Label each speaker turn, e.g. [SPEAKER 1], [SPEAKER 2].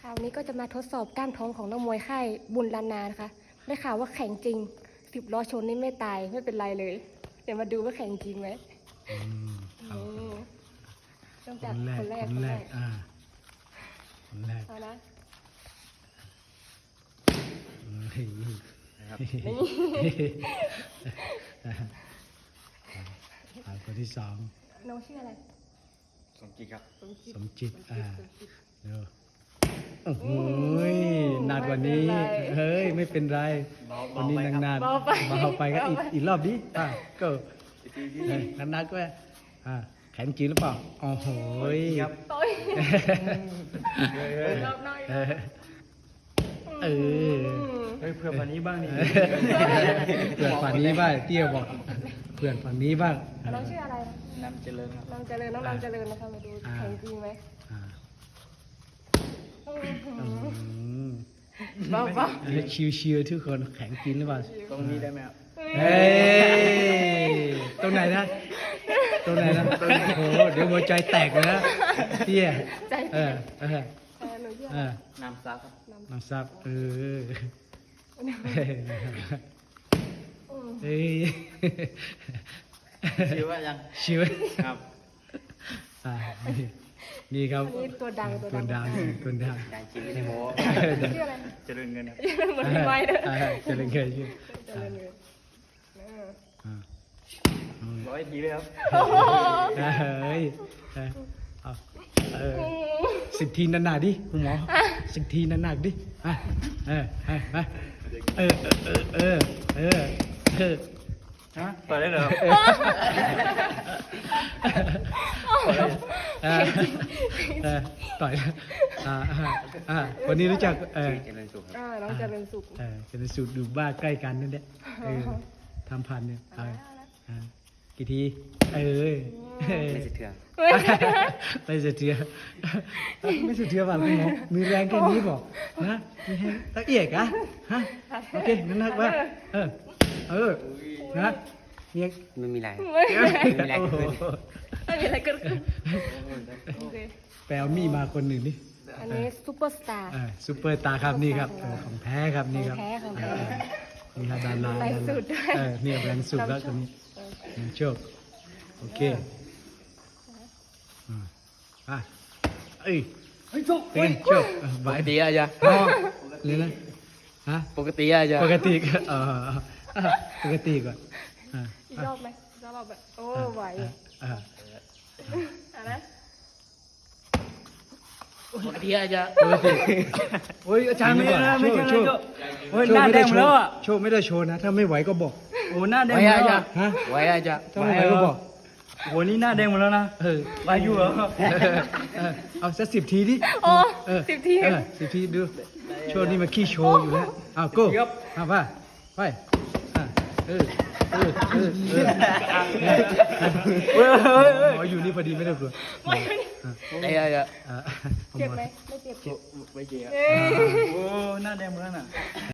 [SPEAKER 1] คราวนี้ก็จะมาทดสอบก้านท้องของนักมวยค่ายบุญล้านนานะคะได้ข่าวว่าแข็งจริง10 ล้อชนนี่ไม่ตายไม่เป็นไรเลยเดี๋ยวมาดูว่าแข็งจริงไหม
[SPEAKER 2] ครับ
[SPEAKER 1] เริ่ม
[SPEAKER 2] ค
[SPEAKER 1] จาก
[SPEAKER 2] นแรก
[SPEAKER 1] คนแรก
[SPEAKER 2] คนแรกคนแรก
[SPEAKER 1] เอานะ
[SPEAKER 2] เฮ้ย
[SPEAKER 3] นะครับ
[SPEAKER 2] คนที่สอง
[SPEAKER 1] น้องชื่ออะไร
[SPEAKER 3] สมจิตครับ
[SPEAKER 2] สมจิต
[SPEAKER 1] สมจิต
[SPEAKER 2] เดี๋ยวโอ้โหหนักกว่านี้ เฮ้ยไม่เป็นไรวันนี้นานๆเบาไปก็อีกรอบดิก็นักๆก็แข็งจริงหรือเปล่าโอ้โห
[SPEAKER 1] ต่อยรอบหน่อย
[SPEAKER 2] เออ
[SPEAKER 3] เฮ้ยเพื่อนวันนี้บ้างนี่
[SPEAKER 2] เพื่อนฝั่งนี้บ้างเตี้ยบอกเพื่อนฝั่งนี้บ้าง
[SPEAKER 1] น้องชื่ออะไรนะ
[SPEAKER 3] น้ำเจริญครับ
[SPEAKER 1] น้องเจริญน้องเจริญนะคะมาดูแข็งจริงไหม
[SPEAKER 2] อ่า
[SPEAKER 1] บ้าบ้า
[SPEAKER 2] ชิวๆทุกคนแข็งจริงหรือเปล่า
[SPEAKER 3] ตรงนี้ได้ไหมครับ
[SPEAKER 2] เฮ้ยตรงไหนนะโอ้โหเดี๋ยวหัวใจแตกเลยนะเตี้ย
[SPEAKER 1] ใจ
[SPEAKER 2] เออ
[SPEAKER 1] หนูชื่ออะไร
[SPEAKER 3] น้ำซักครับ
[SPEAKER 2] น้ำซับเฮ้ย
[SPEAKER 3] ชื่อว่ายัง
[SPEAKER 2] ชิว
[SPEAKER 3] ครับ
[SPEAKER 2] นี่ครับ
[SPEAKER 1] อันนี้ตัวดัง
[SPEAKER 2] ตัวดัง
[SPEAKER 3] การกินไม่ได้โม้
[SPEAKER 1] ชื่ออะไร
[SPEAKER 3] เจริญเงินครับ
[SPEAKER 1] เหมือนพี่ไม้เลย
[SPEAKER 2] เจะเล่นเคยชื่อ
[SPEAKER 1] เจริญเลย
[SPEAKER 3] 100 ทีเลยครับ
[SPEAKER 2] เฮ้ยเอา10 ทีหนักๆดิคุณหมอ10 ทีหนักๆดิ
[SPEAKER 3] ฮะต่อยได้เหรอครับ
[SPEAKER 2] ต่อยวันนี้รู้จัก
[SPEAKER 3] เจริญสุขครับ
[SPEAKER 1] น้องเจริญสุข
[SPEAKER 2] เป็นสูตรดูบ้าใกล้กันนั่นแหละทำพันเนี่ยกี่ที
[SPEAKER 3] ไม่สะเทือน
[SPEAKER 2] ไม่เสียไม่เสียบ้างคุณหมอมีแรงแค่นี้บอกนะมีแรงตะเอียกอะฮะโอเคนั่นนักว่านะเนี่ย
[SPEAKER 3] ไม่มีอะไร
[SPEAKER 1] ไม่มีอะไรเกิดขึ้นโอเค
[SPEAKER 2] แปลมีมาคนหนึ่งนี่
[SPEAKER 1] อันนี้ซูเปอร์สตาร์
[SPEAKER 2] ซูเปอร์ตาครับนี่ครับของแท้ครับนี่ครับ
[SPEAKER 1] ของแท้
[SPEAKER 2] นี่ครับดารา
[SPEAKER 1] แรงสุดด้วย
[SPEAKER 2] เนี่ยแรงสุดแล้วตัวนี้โชคโอเคเอ้ยโชคไหว
[SPEAKER 3] ปกติอาจารย์
[SPEAKER 2] เลยนะฮะ
[SPEAKER 3] ปกติอาจารย์
[SPEAKER 2] ปกติก็ปกติก่อน
[SPEAKER 1] อีกรอบไหมรอบแบบโอ้ไหวนะ
[SPEAKER 3] ปกติอาจารย์
[SPEAKER 2] ปกติ
[SPEAKER 3] โอ้ยอาจารย์ไม่ได้นะไม่ใช่
[SPEAKER 2] โช
[SPEAKER 3] นะ
[SPEAKER 2] ว์
[SPEAKER 3] โอ้ยหน้าแดงหมดแล้วอ่ะ
[SPEAKER 2] โชว์ไม่ได้โชว์นะถ้าไม่ไหวก็บอก
[SPEAKER 3] โอ้หน้าแดงหมดแล้วอ่ะ
[SPEAKER 2] ฮะ
[SPEAKER 3] ไหวอาจารย์
[SPEAKER 2] ถ้าไม่ไหวก็บอก
[SPEAKER 3] โอ้นี่หน้าแดงหมดแล้วนะไหวอยู่เหรอ
[SPEAKER 2] เอาสัก10 ทีดิ
[SPEAKER 1] โอ้10 ที
[SPEAKER 2] 10 ทีดูโชว์นี่มันขี้โชว์อยู่แล้วเอาโก้เอาไปอยู่นี่พอดีไม่ได้กลัว
[SPEAKER 3] ไอ้อาจารย์
[SPEAKER 1] เจ็บไหมไม่เจ็บ
[SPEAKER 3] ไม่เจ็บโอ้หน้าแดงหมดแล้วน่ะ